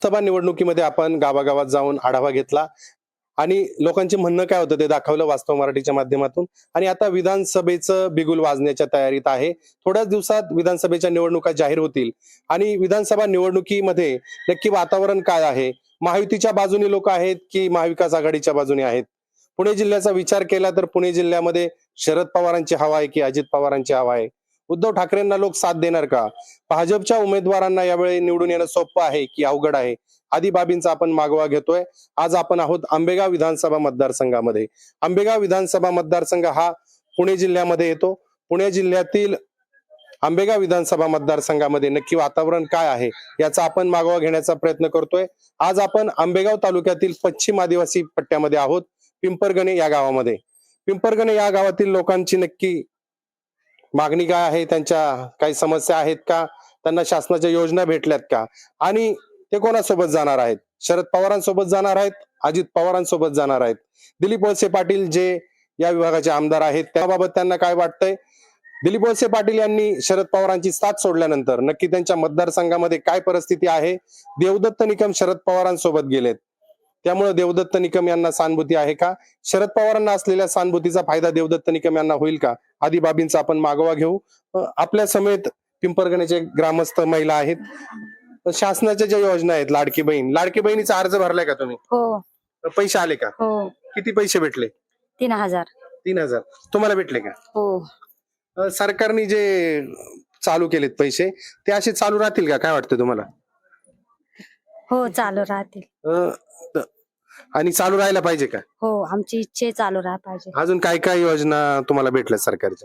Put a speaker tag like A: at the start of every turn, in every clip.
A: सभा निवडणुकीमध्ये आपण गावागावात जाऊन आढावा घेतला आणि लोकांचे म्हणणं काय होतं ते दाखवलं वास्तव मराठीच्या माध्यमातून. आणि आता विधानसभेचं बिगुल वाजण्याच्या तयारीत आहे. थोड्याच दिवसात विधानसभेच्या निवडणुका जाहीर होतील आणि विधानसभा निवडणुकीमध्ये नक्की वातावरण काय आहे? महायुतीच्या बाजूने लोक आहेत की महाविकास आघाडीच्या बाजूने आहेत? पुणे जिल्ह्याचा विचार केला तर पुणे जिल्ह्यामध्ये शरद पवारांची हवा आहे की अजित पवारांची हवा आहे? उद्धव ठाकरेंना लोक साथ देणार का? भाजपच्या उमेदवारांना यावेळी निवडून येणं सोपं आहे की अवघड आहे? आदी बाबींचा आपण मागोवा घेतोय. आज आपण आहोत आंबेगाव विधानसभा मतदारसंघामध्ये. आंबेगाव विधानसभा मतदारसंघ हा पुणे जिल्ह्यामध्ये येतो. पुणे जिल्ह्यातील आंबेगाव विधानसभा मतदारसंघामध्ये नक्की वातावरण काय आहे याचा आपण मागोवा घेण्याचा प्रयत्न करतोय. आज आपण आंबेगाव तालुक्यातील पश्चिम आदिवासी पट्ट्यामध्ये आहोत, पिंपरगणे या गावामध्ये. पिंपरगणे या गावातील लोकांची नक्की मागणी काय आहे? त्यांच्या काही समस्या आहेत का? त्यांना शासनाच्या योजना भेटल्यात का? आणि ते कोणासोबत जाणार आहेत? शरद पवारांसोबत जाणार आहेत? अजित पवारांसोबत जाणार आहेत? दिलीप वळसे पाटील जे या विभागाचे आमदार आहेत त्याबाबत त्यांना काय वाटतंय? दिलीप वळसे पाटील यांनी शरद पवारांची साथ सोडल्यानंतर नक्की त्यांच्या मतदारसंघामध्ये काय परिस्थिती आहे? देवदत्त निकम शरद पवारांसोबत गेलेत, त्यामुळे देवदत्त निकम यांना सहानुभूती आहे का? शरद पवारांना असलेल्या सहानुभूतीचा फायदा देवदत्त निकम यांना होईल का? आदी बाबींचा आपण मागोवा घेऊ. आपल्या समेत पिंपरगणेचे ग्रामस्थ महिला आहेत. शासनाच्या ज्या योजना आहेत, लाडकी बहिणीचा अर्ज भरलाय का तुम्ही?
B: हो
A: पैसे आले का?
B: हो
A: किती पैसे भेटले?
B: 3000.
A: 3000 तुम्हाला भेटले का?
B: हो
A: सरकारने जे चालू केलेत पैसे ते असे चालू राहतील का? काय वाटतं तुम्हाला?
B: हो चालू राहतील.
A: त- आणि चालू राहायला पाहिजे का?
B: हो आमची इच्छा चालू राहा पाहिजे.
A: अजून काय काय योजना तुम्हाला भेटल्या सरकारच्या?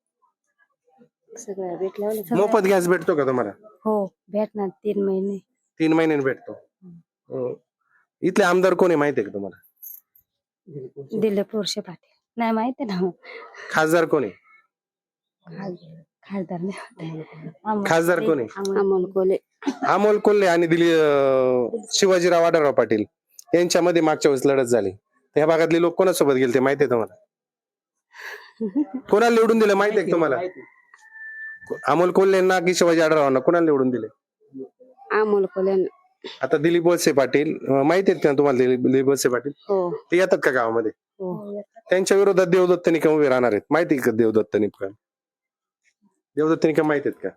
B: सगळं भेटलं.
A: मोफत गॅस भेटतो का तुम्हाला?
B: हो भेटणार 3 महिने.
A: 3 महिन्यांनी भेटतो. इथले आमदार कोण आहे माहिती आहे का तुम्हाला?
B: दिलीप वळसे पाटील. नाही माहिती ना.
A: खासदार कोण आहे?
B: खासदार नाही.
A: खासदार कोण आहे?
B: अमोल कोले.
A: अमोल कोल्हे आणि शिवाजीराव आढळराव पाटील यांच्यामध्ये मागच्या वेळेस लढत झाली. त्या भागातले लोक कोणासोबत गेले ते माहिती आहे तुम्हाला? कोणाला निवडून दिलं माहिती आहे का तुम्हाला? अमोल कोल्हेंना की शिवाजी आढळरावांना कोणाला निवडून दिले?
B: अमोल कोले.
A: आता दिलीप वळसे पाटील माहिती आहेत का तुम्हाला? दिलीप वळसे पाटील
B: हो
A: ते येतात का गावामध्ये?
B: हो
A: त्यांच्या विरोधात देवदत्त निकम उभे राहणार आहेत. माहिती आहे का देवदत्त निकम? देवदत्त निकम माहिती आहेत का?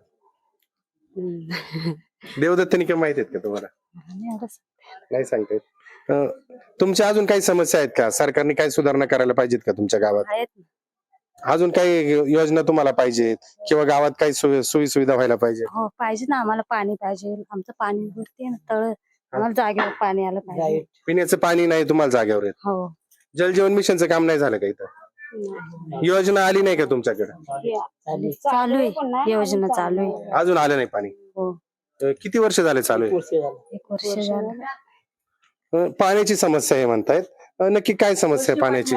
A: देवदत्त निकम माहिती आहेत का तुम्हाला? नाही सांगतायत. तुमच्या अजून काही समस्या आहेत का? सरकारने काही सुधारणा करायला पाहिजेत का तुमच्या गावात? अजून काही योजना तुम्हाला पाहिजेत किंवा गावात काही सोयी सुविधा व्हायला पाहिजे?
B: हो पाहिजे ना. आम्हाला पाणी पाहिजे. आमचं पाणी भरते ना तळ. आम्हाला जागेवर पाणी आलं पाहिजे.
A: पिण्याचं पाणी नाही तुम्हाला जागेवर येत?
B: हो
A: जलजीवन मिशनचं काम नाही झालं का इथं? योजना आली नाही का तुमच्याकडे?
B: चालू आहे. योजना चालू आहे.
A: अजून आलं नाही पाणी?
B: हो
A: किती वर्ष झाले चालू आहे?
B: 1 वर्ष झालं.
A: पाण्याची समस्या आहे म्हणतायत. नक्की काय समस्या आहे पाण्याची?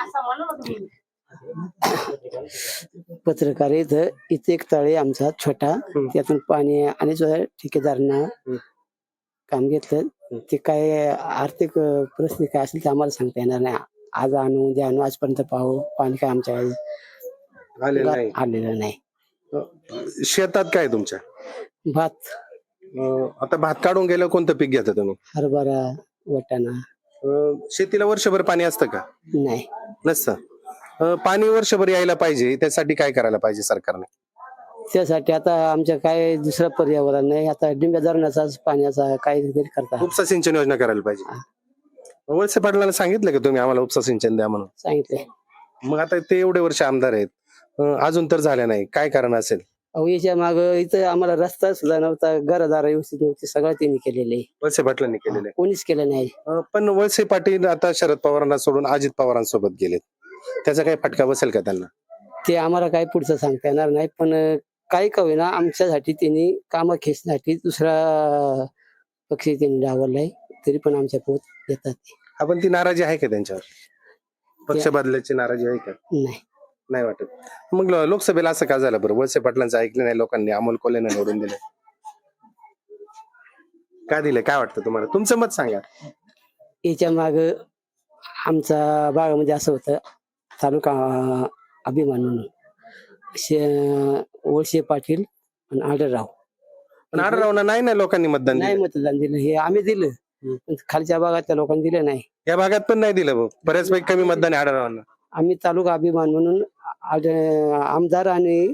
C: पत्रकार इथं एक तळे आमचा छोटा, त्यातून पाणी आणि ठेकेदारांना काम घेतलं. ते काय आर्थिक परिस्थिती काय असेल ते आम्हाला सांगता येणार नाही. आज आणू उद्या आणू, आजपर्यंत पाहू पाणी काय आमच्या आलेलं नाही.
A: शेतात काय तुमच्या?
C: भात,
A: आता भात काढून गेलं कोणतं पीक घेता तुम्ही?
C: हरभरा, वाटाणा.
A: शेतीला वर्षभर पाणी असतं का?
C: नाही
A: नसतं. पाणी वर्षभर यायला पाहिजे त्यासाठी काय करायला पाहिजे सरकारने?
C: त्यासाठी आता आमच्या काय दुसरं पर्यावरण नाही. आता डिंब्या धरणाचा पाण्याचा काहीतरी करता
A: उपसा सिंचन योजना करायला पाहिजे. वळसे पाटलांना सांगितलं का तुम्ही आम्हाला उपसा सिंचन द्या म्हणून?
C: सांगितलंय.
A: मग आता ते एवढे वर्ष आमदार आहेत, अजून तर झाल्या नाही. काय कारण असेल?
C: अहो याच्या माग इथं आम्हाला रस्ता सुद्धा नव्हता, घरदार व्यवस्थित नव्हते, सगळं त्यांनी केलेलं आहे.
A: वळसे पाटलांनी केलेलं आहे.
C: कोणीच केलं नाही.
A: पण वळसे पाटील आता शरद पवारांना सोडून अजित पवारांसोबत गेलेत. त्याचा काही फटका बसेल का त्यांना?
C: ते आम्हाला काही पुढचं सांगता येणार नाही. पण काही का होईना आमच्यासाठी त्यांनी कामं खेचण्यासाठी दुसरा पक्ष त्यांनी डावललाय. तरी पण आमच्या पोत येतात.
A: आपण ती नाराजी आहे का त्यांच्यावर? पक्ष बदलायची नाराजी आहे का?
C: नाही
A: नाही वाटत. मग लोकसभेला असं का झालं बरं? वळसे पाटलांचं ऐकलं नाही लोकांनी, अमोल कोल्हेंना निवडून दिले. का दिले? काय वाटतं तुम्हाला? तुमचं मत सांगा.
C: याच्या माग आमचा भागामध्ये असं होतं, तालुका अभिमान म्हणून वळसे पाटील आणि आढळराव
A: पण आढळरावांना नाही ना लोकांनी मतदान
C: नाही
A: दिलं.
C: मतदान दिलं, हे आम्ही दिलं पण खालच्या भागातल्या लोकांनी दिलं नाही.
A: या भागात पण नाही दिलं भाऊ. बऱ्याचपैकी कमी मतदान आहे आढळरावांना.
C: आम्ही तालुका अभिमान म्हणून आमदार आणि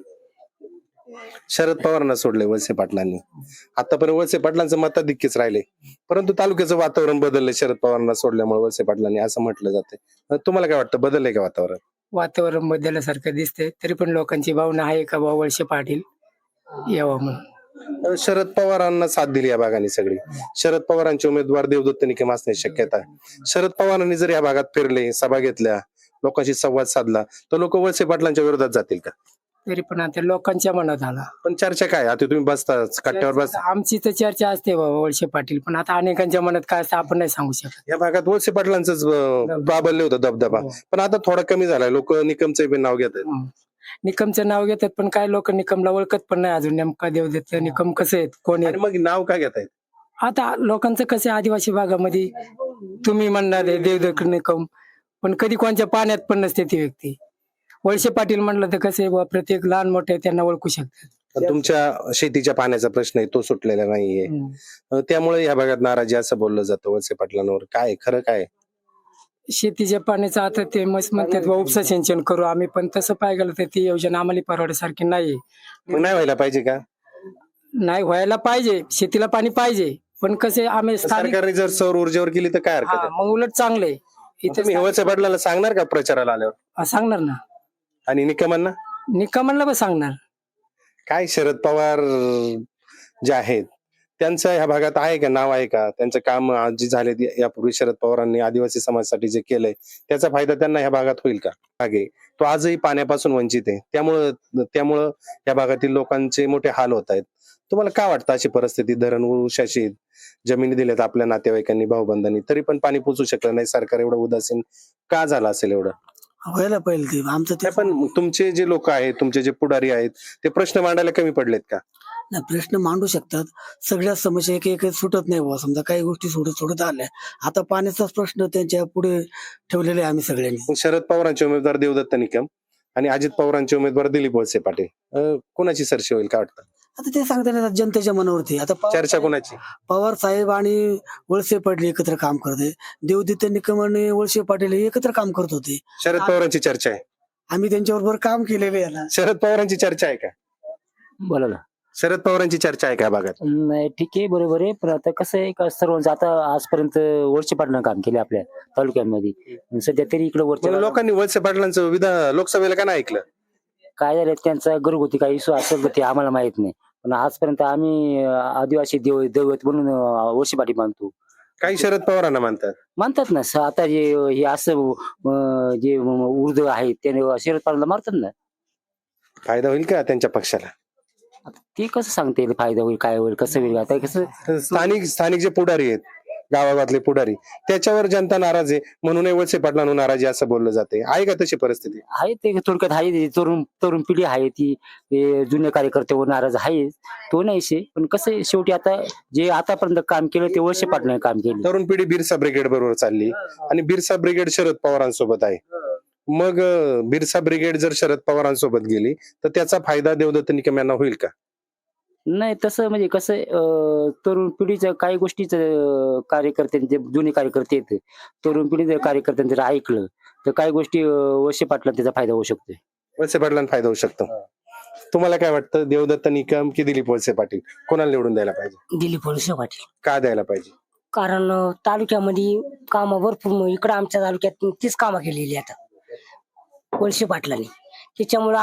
A: शरद पवारांना सोडले वळसे पाटलांनी. आतापर्यंत वळसे पाटलांचं मताधिक्यच राहिले, परंतु तालुक्याचं वातावरण बदललंय शरद पवारांना सोडल्यामुळे वळसे पाटलांनी, असं म्हटलं जाते. तुम्हाला काय वाटतं, बदललंय का वातावरण?
D: वातावरण बदलल्यासारखं दिसतंय, तरी पण लोकांची भावना आहे का बाबा वळसे पाटील यावं म्हणून.
A: शरद पवारांना साथ दिली या भागाने सगळी. शरद पवारांचे उमेदवार देवदत्त निकम असण्याची शक्यता आहे. शरद पवारांनी जर या भागात फिरले, सभा घेतल्या, लोकांशी संवाद साधला, तर लोक वळसे पाटलांच्या विरोधात जातील का?
D: तरी पण आता लोकांच्या मनात आला.
A: पण चर्चा काय, आता तुम्ही बसता कट्ट्यावर बसता,
D: आमची तर चर्चा असते बाबा वळसे पाटील, पण आता अनेकांच्या मनात काय असतं आपण नाही सांगू शकत.
A: या भागात वळसे पाटलांच प्राबल्य होतं, दबदबा. पण आता थोडा कमी झालाय, लोक निकमचं बी नाव घेतात.
D: निकमचं नाव घेतात, पण काय लोक निकमला ओळखत पण नाही अजून, नेमका देवदत्त निकम कसं आहेत, कोण
A: आणि
D: आहेत.
A: मग नाव का घेतायत?
D: आता लोकांचं कसं आहे, आदिवासी भागामध्ये तुम्ही म्हणणार आहे देवदत्त निकम, पण कधी कोणत्या पाण्यात पण नसते ती व्यक्ती. वळसे पाटील म्हणलं तर कसं आहे बुवा, प्रत्येक लहान मोठे त्यांना ओळखू शकतात.
A: पण तुमच्या शेतीच्या पाण्याचा प्रश्न आहे, तो सुटलेला नाहीये. त्यामुळे या भागात नाराजी असं बोललं जातं वळसे पाटलांवर. काय खरं काय?
D: शेतीच्या पाण्याचं आता ते मस्त म्हणतात बुवा, उपसा सिंचन करू आम्ही, पण तसं पाहायला गेलं तर ती योजना आम्हाला परवडण्यासारखी नाही.
A: मग नाही व्हायला पाहिजे का?
D: नाही व्हायला पाहिजे, शेतीला पाणी पाहिजे, पण कसे आम्ही स्थानिक
A: सरकारने जर सौर ऊर्जेवर केली तर काय हरकत आहे?
D: मग उलट चांगले इथे
A: तुम्ही वळसे पाटलांना सांगणार का प्रचाराला आल्यावर?
D: सांगणार ना,
A: आणि निकमांना
D: निकमांना पण सांगणार.
A: काय शरद पवार जे आहेत त्यांचं ह्या भागात आहे का, नाव आहे का? त्यांचं काम जे झाले यापूर्वी शरद पवारांनी आदिवासी समाजासाठी जे केलंय, त्याचा फायदा त्यांना ह्या भागात होईल का? मागे तो आजही पाण्यापासून वंचित आहे, त्यामुळं या भागातील लोकांचे मोठे हाल होत आहेत. तुम्हाला काय वाटतं, अशी परिस्थिती, धरण उशाशीत, जमिनी दिल्यात आपल्या नातेवाईकांनी, भाऊबंधांनी, तरी पण पाणी पोचू शकलं नाही, सरकार एवढं उदासीन का झालं असेल एवढं?
E: व्हायला पाहिजे ते आमचं ते.
A: पण तुमचे जे लोक आहेत, तुमचे जे पुढारी आहेत, ते प्रश्न मांडायला कमी पडलेत का?
E: नाही, प्रश्न मांडू शकतात, सगळ्या समस्या एक एक सुटत नाही बुवा. समजा काही गोष्टी सोडत आल्या, आता पाण्याचाच प्रश्न त्यांच्या पुढे ठेवलेला आहे आम्ही सगळ्यांनी.
A: मग शरद पवारांचे उमेदवार देवदत्त निकम आणि अजित पवारांचे उमेदवार दिलीप वळसे पाटील, कोणाची सरशी होईल काय वाटतं?
E: आता ते सांगता नाही येत, जनतेच्या मनावरती. आता
A: चर्चा कोणाची?
E: पवार साहेब आणि वळसे पाटील एकत्र काम करते, देवदत्त निकम आणि वळसे पाटील हे एकत्र काम करत होते.
A: शरद पवारांची चर्चा आहे.
E: आम्ही त्यांच्याबरोबर काम केलेले आहे ना.
A: शरद पवारांची चर्चा आहे का?
F: बोला ना.
A: शरद पवारांची चर्चा आहे का भागात?
F: नाही ठीक आहे, बरोबर आहे, पण आता कसं आहे का, सर्वांचं आता आजपर्यंत वळसे पाटलांना काम केले आपल्या तालुक्यामध्ये, सध्या तरी इकडे
A: मग
F: वरच्या
A: लोकांनी वळसे पाटलांचं लोकसभेला का नाही ऐकलं?
F: काय झालं त्यांचा घरगुती काही इश्यू असेल तर ते आम्हाला माहित नाही, पण आजपर्यंत आम्ही आदिवासी दैवत म्हणून वळसे पाटील मानतो.
A: काही शरद पवारांना म्हणतात
F: ना आता जे हे असं जे उर्दू आहे त्याने शरद पवारांना मारतात ना.
A: फायदा होईल का त्यांच्या पक्षाला?
F: आता ते कसं सांगता येईल फायदा होईल काय होईल कसं होईल, आता कसं
A: स्थानिक जे पुढारी आहेत, गावागावातले पुढारी, त्याच्यावर जनता नाराज आहे म्हणून वळसे पाटलांना नाराजी असं बोललं जाते. आहे का तशी परिस्थिती?
F: आहे ते थोडक्यात आहे, तरुण पिढी आहे ती, जुने कार्यकर्त्यावर नाराज आहे, तो नाही शे, पण कसं आहे, शेवटी आता जे आतापर्यंत काम केलं ते वळसे पाटलांनी काम केलं.
A: तरुण पिढी बिरसा ब्रिगेड बरोबर चालली आणि बिरसा ब्रिगेड शरद पवारांसोबत आहे. मग बिरसा ब्रिगेड जर शरद पवारांसोबत गेली तर त्याचा फायदा देवदत्त निकम यांना होईल का?
F: नाही तसं म्हणजे कसं तरुण पिढीचं काही गोष्टीचं कार्यकर्त्यांचे जुने कार्यकर्ते आहेत, तरुण पिढी जर कार्यकर्त्यांचं जर ऐकलं तर काही गोष्टी वळसे पाटलांना त्याचा फायदा होऊ शकतोय.
A: वळसे पाटलांना फायदा होऊ शकतो. तुम्हाला काय वाटतं, देवदत्त निकम की दिलीप वळसे पाटील, कोणाला निवडून द्यायला पाहिजे?
G: दिलीप वळसे पाटील.
A: का द्यायला पाहिजे?
G: कारण तालुक्यामध्ये कामं भरपूर, इकडे आमच्या तालुक्यात तीच कामं केलेली आता वळसे पाटलांनी, त्याच्यामुळे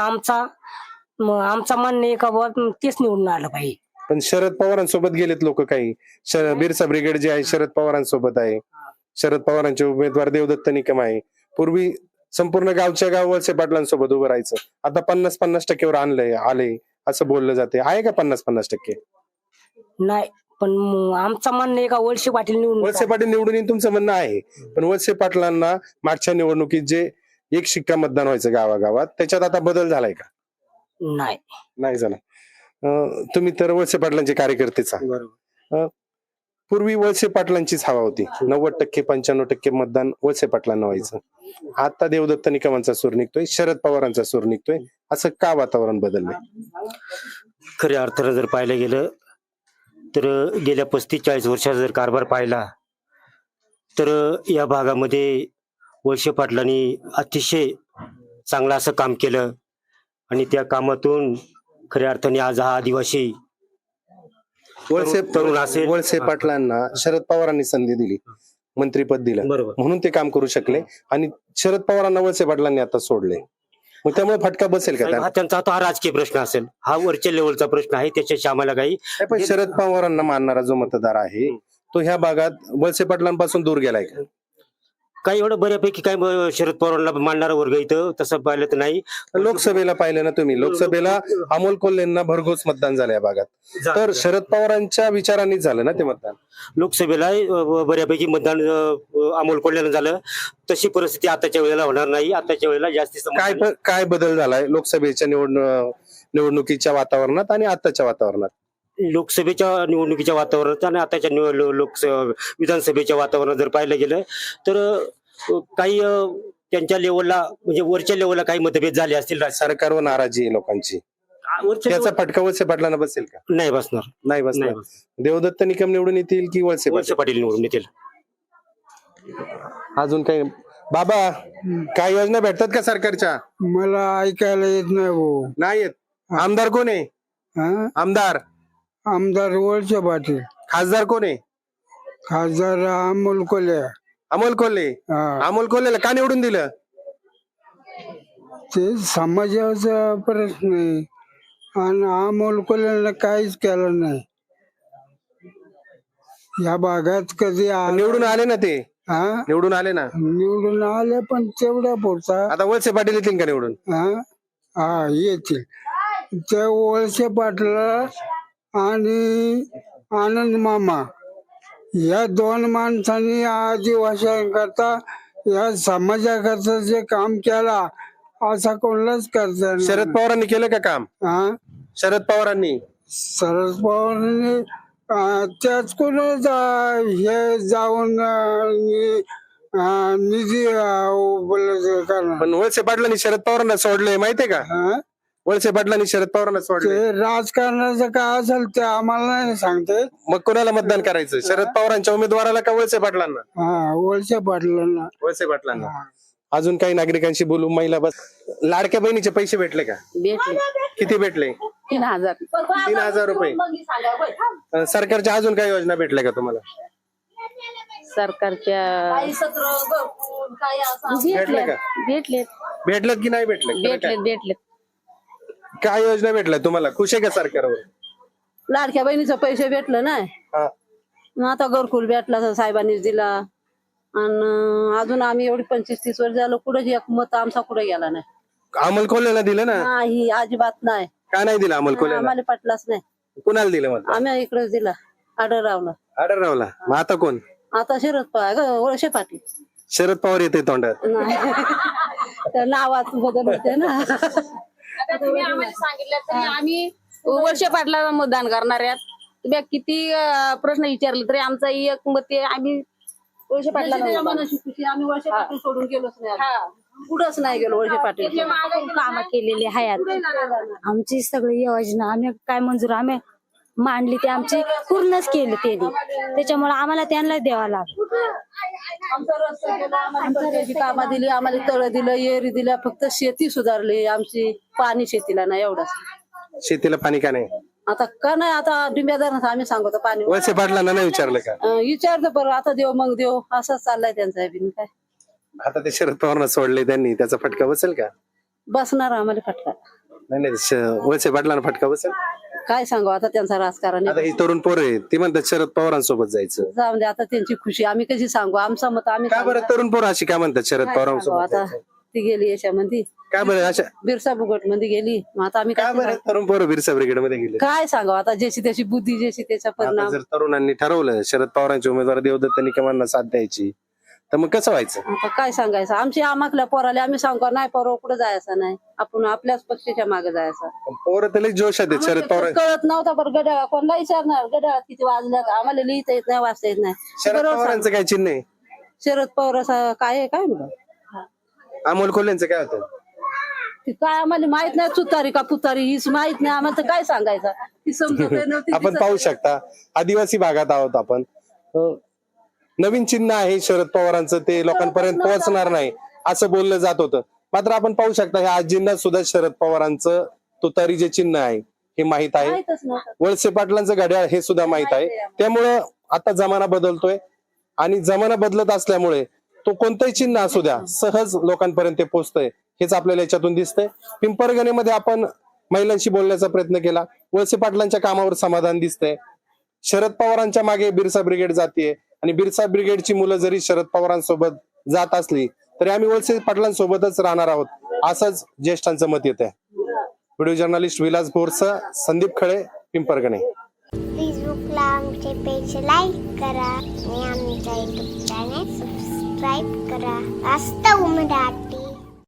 G: आमचा म्हणणं आहे का बुवा तेच निवडून आलं पाहिजे.
A: पण शरद पवारांसोबत गेलेत लोक काही. बिरसा ब्रिगेड जे आहे शरद पवारांसोबत आहे, शरद पवारांचे उमेदवार देवदत्त निकम आहे. पूर्वी संपूर्ण गावच्या गाव वळसे पाटलांसोबत उभं राहायचं, आता 50-50% आले असं बोललं जाते. आहे का 50-50%?
G: नाही, पण आमचा म्हणणं आहे का वळसे पाटील निवडून
A: वळसे पाटील निवडून येईन तुमचं म्हणणं आहे, पण वळसे पाटलांना मागच्या निवडणुकीत जे एक शिक्का मतदान व्हायचं गावागावात, त्याच्यात आता बदल झालाय का? नाही झाला. तुम्ही तर वळसे पाटलांचे कार्यकर्तेच आहात. पूर्वी वळसे पाटलांचीच हवा होती, 90% 95% मतदान वळसे पाटलांना व्हायचं. आता देवदत्त निकमांचा सूर निघतोय, शरद पवारांचा सूर निघतोय, असं का वातावरण बदललंय?
H: खऱ्या अर्थानं जर पाहिलं गेलं तर गेल्या 35-40 वर्षाचा जर कारभार पाहिला तर या भागामध्ये वळसे पाटलांनी अतिशय चांगलं असं काम केलं आणि त्या कामातून खऱ्या अर्थाने आज हा आदिवासी तरुण असेल.
A: वळसे पाटलांना शरद पवारांनी संधी दिली, मंत्रीपद दिलं,
H: बरोबर.
A: म्हणून ते काम करू शकले. आणि शरद पवारांना वळसे पाटलांनी आता सोडले, मग त्यामुळे फटका बसेल का
H: साहेब,
A: त्यांना?
H: हा त्यांचा आता हा राजकीय प्रश्न असेल, हा वरच्या लेवलचा प्रश्न आहे, त्याच्याशी आम्हाला काही
A: नाही, पण शरद पवारांना मानणारा जो मतदार आहे तो ह्या भागात वळसे पाटलांपासून दूर गेलाय का?
H: काही एवढं बऱ्यापैकी काय शरद पवारांना मानणारा वर्ग इथं तसं पाहिलं तर नाही.
A: लोकसभेला पाहिलं ना तुम्ही, लोकसभेला अमोल कोल्हेंना भरघोस मतदान झालं या भागात, तर शरद पवारांच्या विचारांनीच झालं ना ते मतदान.
H: लोकसभेला बऱ्यापैकी मतदान अमोल कोल्ह्यानं झालं. तशी परिस्थिती आताच्या वेळेला होणार नाही. आताच्या वेळेला जास्तीत
A: काय बदल झालाय लोकसभेच्या निवडणुकीच्या वातावरणात आणि आताच्या वातावरणात?
H: लोकसभेच्या निवडणुकीच्या वातावरणात आणि आताच्या विधानसभेच्या वातावरणात जर पाहिलं गेलं तर काही त्यांच्या लेवलला म्हणजे वरच्या लेवलला काही मतभेद झाले असतील.
A: सरकारवर नाराजी आहे लोकांची,
H: वरच्या
A: त्याचा
H: level-
A: फटका वळसे पाटलांना बसेल का?
H: नाही बसणार.
A: नाही बसणार.
H: नाही बसणार.
A: देवदत्त निकम निवडून येतील की वळसे
H: वळसे पाटील निवडून येतील.
A: अजून काही? बाबा, काय योजना भेटतात का सरकारच्या?
I: मला ऐकायला येत नाही भाऊ.
A: नाही येत. आमदार कोण आहे?
I: हा?
A: आमदार
I: वळसे पाटील.
A: खासदार कोण आहे?
I: खासदार अमोल कोल्हे.
A: अमोल कोल्हे.
I: हा.
A: अमोल कोल्हेला का निवडून दिलं?
I: ते समाजाचा प्रश्न आहे आणि अमोल कोल्हेला काहीच केलं नाही या भागात. कधी
A: निवडून आले ना ते,
I: हा?
A: निवडून आले ना.
I: निवडून आले पण तेवढ्या पुरता.
A: आता वळसे पाटील येतील का निवडून?
I: हा, हा, येतील. त्या वळसे पाटला आणि आनंद मामा या दोन माणसांनी आदिवासींकरता या समाजाकरता जे काम केला असा कोणालाच करता येणार
A: शरद
I: नाही.
A: पवारांनी केलं का काम?
I: हा?
A: शरद पवारांनी
I: शरद पवारांनी त्याच कोण हे जाऊन निधी उपलब्ध करणार.
A: पण वळसे पाटलांनी शरद पवारांना सोडले माहितीये का?
I: हा?
A: वळसे पाटलांनी शरद पवारांना सोडले.
I: ते राजकारणाचं काय असेल ते आम्हाला नाही सांगते.
A: मग कोणाला मतदान करायचं? शरद पवारांच्या उमेदवाराला का वळसे पाटलांना?
I: हा, वळसे पाटलांना.
A: वळसे पाटलांना. अजून काही नागरिकांशी बोलू. महिला बस. लाडक्या बहिणीचे पैसे भेटले का?
B: भेटले
A: किती भेटले?
B: 3,000.
A: 3,000 रुपये. सरकारच्या अजून काही योजना भेटल्या का तुम्हाला?
B: सरकारच्या
A: भेटले का?
B: भेटलेत
A: भेटलेत की नाही भेटले?
B: भेटलेत.
A: काय योजना भेटल्या तुम्हाला? खुश आहे का सरकारवर?
B: लाडक्या बहिणीचं पैसे भेटलं नाही.
A: हा.
B: मग आता घरकुल भेटला तर साहेबांनीच दिला. आणि अजून आम्ही एवढी 25-30 वर्ष झालं कुठे एक मत आमचा कुठे गेला नाही.
A: अमोल कोल्हेला दिलं ना?
B: नाही, अजिबात नाही.
A: का नाही दिलं अमोल कोल्हेला?
B: आम्हाला पटलाच नाही.
A: कुणाला दिलं मत?
B: आम्ही इकडेच दिला, आढळरावला.
A: आढळरावला. मग आता कोण?
B: आता शरद पवार, वळसे पाटील.
A: शरद पवार येते तोंडात.
B: नाही, त्या नावात बदल होते ना.
J: आता तुम्ही आम्हाला सांगितलं तरी आम्ही वळसे पाटलाला मतदान करणार आहेत. तुम्ही किती प्रश्न विचारले तरी आमचा एक मत आहे, आम्ही वळसे पाटलाला मतदान.
B: मनाची खुशी, आम्ही वळसे पाटील सोडून गेलोच नाही. पुढंच नाही गेलो वळसे पाटील.
J: कामं
B: केलेली आहेत आमची सगळी योजना आम्ही काय मंजूर आम्ही मांडली ते आमची पूर्णच केली त्यांनी. त्याच्यामुळे आम्हाला त्यांना द्यावा लागतो. कामा दिली आम्हाला, तळ दिलं, एरी दिल्या, फक्त शेती सुधारली आमची. पाणी शेतीला नाही एवढंच.
A: शेतीला पाणी का नाही?
B: आता का नाही, आता डिंब्यादार आम्ही सांगतो पाणी.
A: वळसे पाटलांना नाही विचारलं का?
B: विचारतो बरं, आता देव मग देव असंच चाललाय त्यांचा बिन. काय
A: आता ते शरद पवारांना सोडले त्यांनी, त्याचा फटका बसेल का?
B: बसणार आम्हाला फटका.
A: नाही, वळसे पाटलांना फटका बसेल.
B: काय सांगू आता त्यांचा राजकारण.
A: आता ही तरुण पोरं आहेत, ती म्हणतात शरद पवारांसोबत जायचं.
B: जाऊन दे आता, त्यांची खुशी आम्ही कशी सांगू. आमचं मत आम्ही
A: का बरं तरुण पोरं अशी का म्हणतात शरद
B: काय सांगू
A: पवारांसोबत
B: आता.
A: जायचं?
B: ती गेली याच्यामध्ये,
A: का बरं अशा?
B: बिरसा बुगट मध्ये गेली. मग आता आम्ही
A: का
B: काय
A: बरं तरुण पोरं बिरसा ब्रिगेड मध्ये गेले?
B: काय सांगू आता, ज्याची त्याची बुद्धी, ज्याची त्याचा
A: आता
B: परिणाम.
A: जर तरुणांनी ठरवलं शरद पवारांचे उमेदवार देवदत्त निकमांना साथ द्यायची, तर मग कसं व्हायचं?
B: आता काय सांगायचं, आमची आमाकल्या पोराला आम्ही सांगू नाही, पोरं कुठं जायचं नाही, आपण आपल्याच पक्षाच्या मागे जायचं.
A: पोरं तर लई जोशात आहेत शरद पवार.
B: कळत नव्हता बरं. गड्या कोणला विचारणार, गड्या किती वाजल्या, आम्हाला लिहिता येत नाही, वाचता येत नाही.
A: शरद
B: बरोबर
A: पवारांचं काय चिन्ह आहे?
B: शरद पवार काय आहे काय म्हणलं.
A: अमोल कोल्हेंचं काय होतं?
J: ती काय आम्हाला माहित नाही, तुतारी का पुतारी हीच माहित नाही आम्हाला, तर काय सांगायचं ती समजत नव्हती.
A: आपण पाहू शकता आदिवासी भागात आहोत आपण. नवीन चिन्ह आहे शरद पवारांचं, ते लोकांपर्यंत पोहोचणार नाही असं बोललं जात होतं. मात्र आपण पाहू शकता ह्या आजींना सुद्धा शरद पवारांचं तुतारी जे चिन्ह आहे हे माहित आहे.
J: माहितच नव्हतं.
A: वळसे पाटलांचं घड्याळ हे सुद्धा माहित आहे. त्यामुळं आता जमाना बदलतोय आणि जमाना बदलत असल्यामुळे तो कोणतंही चिन्ह असू द्या सहज लोकांपर्यंत ते पोहोचतंय, हेच आपल्याला याच्यातून दिसतंय. पिंपरगणेमध्ये आपण महिलांशी बोलण्याचा प्रयत्न केला. वळसे पाटलांच्या कामावर समाधान दिसतंय. शरद पवारांच्या मागे बिरसा ब्रिगेड जातीये आणि बिरसा ब्रिगेडची मुलं जरी शरद पवारांसोबत जात असली तरी आम्ही वळसे पाटलांसोबतच राहणार आहोत, असंच ज्येष्ठांचं मत येत आहे. व्हिडिओ जर्नलिस्ट विलास बोरसह संदीप खळे, पिंपरगणे.
K: फेसबुकला आमचे पेज लाईक करा आणि आमच्या युट्यूब चॅनेल सबस्क्राईब करा. वास्तव मराठी.